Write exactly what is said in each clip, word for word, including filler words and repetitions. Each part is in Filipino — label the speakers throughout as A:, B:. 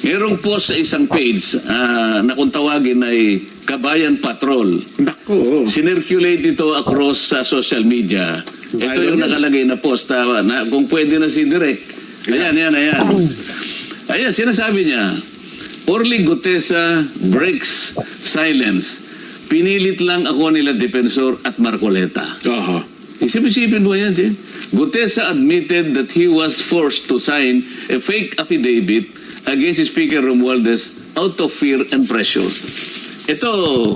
A: Merong post sa isang page ah, na kung tawagin ay Kabayan Patrol.
B: Nako.
A: Sinirculate ito across sa social media. Ito yung nakalagay na post. ah, na, kung pwede na si Direk. Ayan, ayan, ayan. Ayan, sinasabi niya, Orly Gutesa breaks silence. Pinilit lang ako nila Defensor at Marcoleta.
B: Aha.
A: Isip-isipin mo yan, Jen. Gutesa admitted that he was forced to sign a fake affidavit against Speaker Romualdez out of fear and pressure. Ito,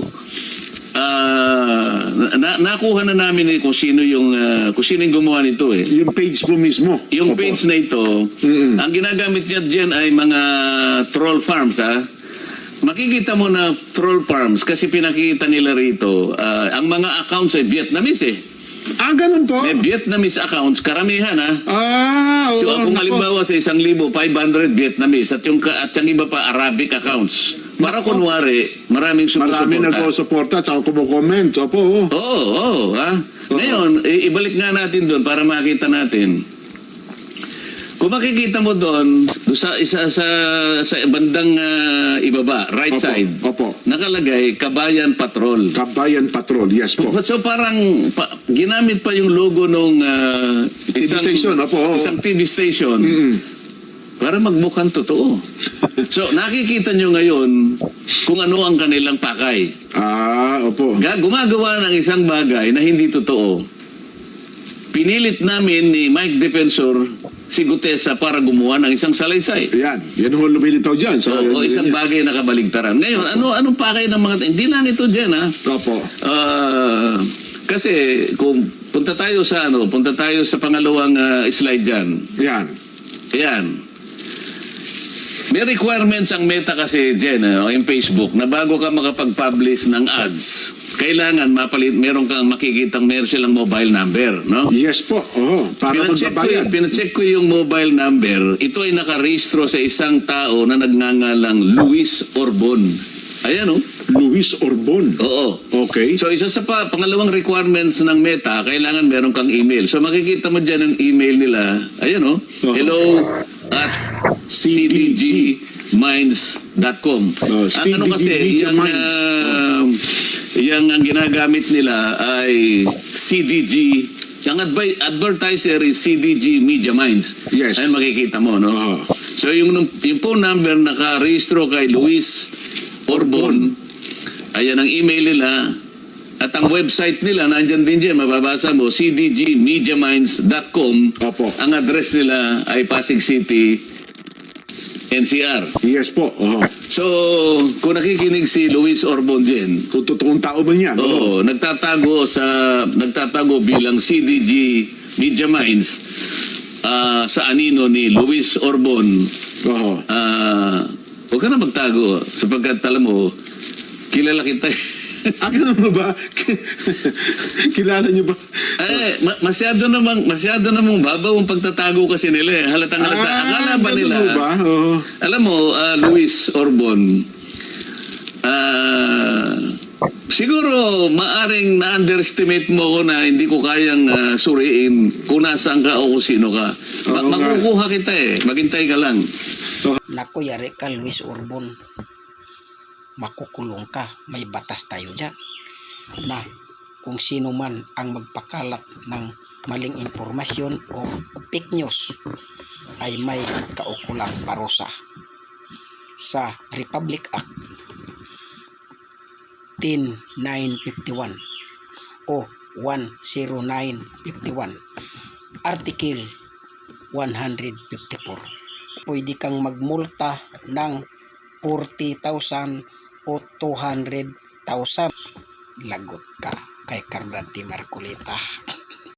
A: ah, na nakuha na namin eh kung sino yung ah, kung sino yung gumawa nito eh.
B: Yung page mo mismo.
A: Yung
B: Opo.
A: page na ito,
B: Mm-mm.
A: ang ginagamit niya dyan ay mga troll farms, ha? Makikita mo na troll farms kasi pinakita nila rito, ah, ang mga accounts ay Vietnamese eh.
B: Ah, ganun po?
A: May Vietnamese accounts, karamihan ha.
B: Ah, oo.
A: So kung
B: nako.
A: halimbawa sa isang libo, five hundred Vietnamese at yung, ka- at yung iba pa Arabic accounts. Para kunwari, maraming
B: Maraming
A: sumusuporta.
B: nagsusuporta at saka kumukomment. Opo. oo.
A: Oo, oo, ha. Ngayon, i- ibalik nga natin doon para makita natin. Kung makikita mo doon, sa isa sa, sa bandang ah, ibaba, right
B: Opo,
A: side,
B: opo.
A: nakalagay Kabayan Patrol.
B: Kabayan Patrol. Yes po.
A: So parang pa, ginamit pa yung logo nung ah,
B: T V station, opo, oo.
A: isang T V station
B: Mm-mm.
A: para magmukhang totoo. So nakikita nyo ngayon kung ano ang kanilang pakay.
B: Ah, opo.
A: Ga- Gumagawa ng isang bagay na hindi totoo. Pinilit namin ni Mike Defensor si Gutesa para gumawa ng isang salaysay.
B: Yan. Yan ho lumilitaw dyan.
A: O, o isang bagay na kabaligtaran. Ngayon, ano anong pakay ng mga... Hindi lang ito dyan, ha?
B: Opo.
A: Ah, kasi kung punta tayo sa ano, punta tayo sa pangalawang ah, slide dyan.
B: Yan.
A: Ayan. May requirements ang Meta kasi dyan, ano, yung Facebook, na bago ka makapag-publish ng ads, kailangan mapalit, meron kang makikitang meron silang mobile number, no?
B: Yes po. Oo. Para
A: Pinacheck ko,
B: magbabayad.
A: pinacheck ko yung mobile number. Ito ay nakarehistro sa isang tao na nagngangalang Luis Orbon. Ayan, oh.
B: Luis Orbon.
A: Oo.
B: Okay.
A: So, isa sa pa, pangalawang requirements ng Meta, kailangan meron kang email. So, makikita mo dyan ang email nila. Ayan, oh.
B: Uh-huh.
A: Hello at c d g minds dot com.
B: Uh,
A: ang ano kasi, yung, uh, yung ang ginagamit nila ay C D G. Yung advi- advertiser is C D G Media Minds.
B: Yes.
A: Ayun makikita mo, no?
B: Uh-huh.
A: So, yung, yung phone number nakarehistro kay Luis Orbon, ayan ang email nila. At ang website nila, nandyan din dyan, mababasa mo, c d g media minds dot com.
B: Opo.
A: Ang address nila ay Pasig City, N C R.
B: Yes po. Oo.
A: So, kung nakikinig si Luis Orbon dyan,
B: Kung totoong tao ba niyan?
A: oo, nagtatago sa, nagtatago bilang C D G Media Minds ah, sa anino ni Luis Orbon.
B: Oo.
A: Ah, huwag ka na magtago sapagkat alam mo, kilala kita.
B: Ah, ganun mo ba? Kilala niyo ba?
A: Eh, ma- masyado namang masyado namang babaw ang pagtatago kasi nila eh. Halatang halata. Akala ba
B: ganun
A: nila?
B: mo ba? Oo.
A: Alam mo, ah, Luis Orbon, ah, siguro maaring na-underestimate mo ko na hindi ko kayang ah, suriin kung nasaan ka o kung sino ka. Ma-
B: Oo nga.
A: makukuha kita eh. Maghintay ka lang.
C: Naku, yari ka, Luis Orbon. Makukulong ka. May batas tayo dyan. Na kung sino man ang magpakalat ng maling impormasyon o fake news ay may kaukulang parusa sa Republic Act ten nine fifty-one o one oh nine fifty-one, Article one fifty-four. Pwede kang magmulta ng forty thousand o two hundred thousand. Lagot ka kay Cardante Marcoleta.